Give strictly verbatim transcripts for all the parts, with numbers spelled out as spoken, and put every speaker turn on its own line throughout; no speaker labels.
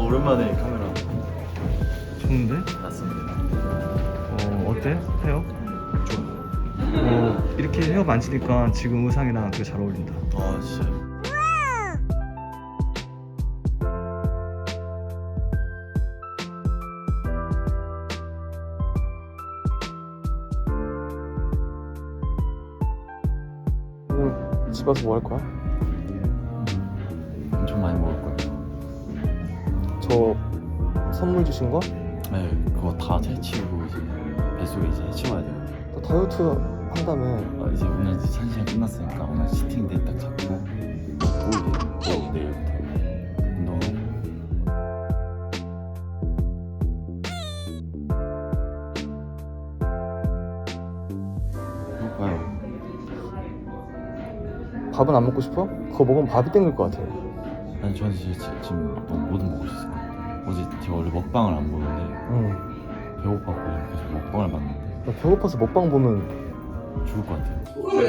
오랜만에 카메라
좋은데?
났습니다.
어 어때? 헤어?
좀.
어 이렇게 헤어 만지니까 지금 의상이랑 되게 잘 어울린다.
아 진짜.
오늘 집 와서 뭐 할 거야?
엄청 많이 먹을 거예요.
저 선물 주신 거?
네, 그거 다 채치우고 이제 뱃속에 이제 해치워야 돼요.
너 다이어트 한다며.
아, 이제 오늘 이제 한 시간 끝났으니까 오늘 치팅데이 딱 잡고 먹고 이제 또 내일부터 운동하고. 배고파요.
밥은 안 먹고 싶어? 그거 먹으면 밥이 땡길 것 같아.
아니 저는 진짜 지- 지금 너무 뭐든 먹을 수 있을 것 같아요. 어제 제가 원래 먹방을 안 보는데
응.
배고팠고 계속 먹방을 봤는데
나 배고파서 먹방 보면
죽을 것 같아요.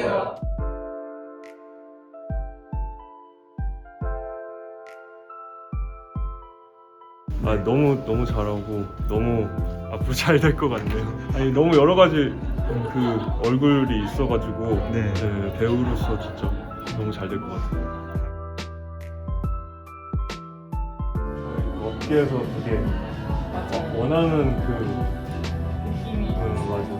아 너무 너무 잘하고 너무 앞으로 잘 될 것 같네요. 아니 너무 여러 가지 그 얼굴이 있어가지고
네.
네, 배우로서 진짜 너무 잘 될 것 같아요. 업계에서 되게 원하는 그 음, 맞아.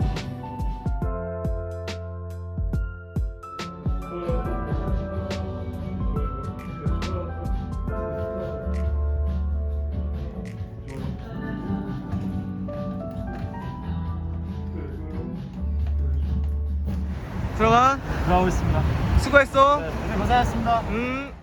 들어가.
들어가고 있습니다.
수고했어.
네, 고생하셨습니다.
음.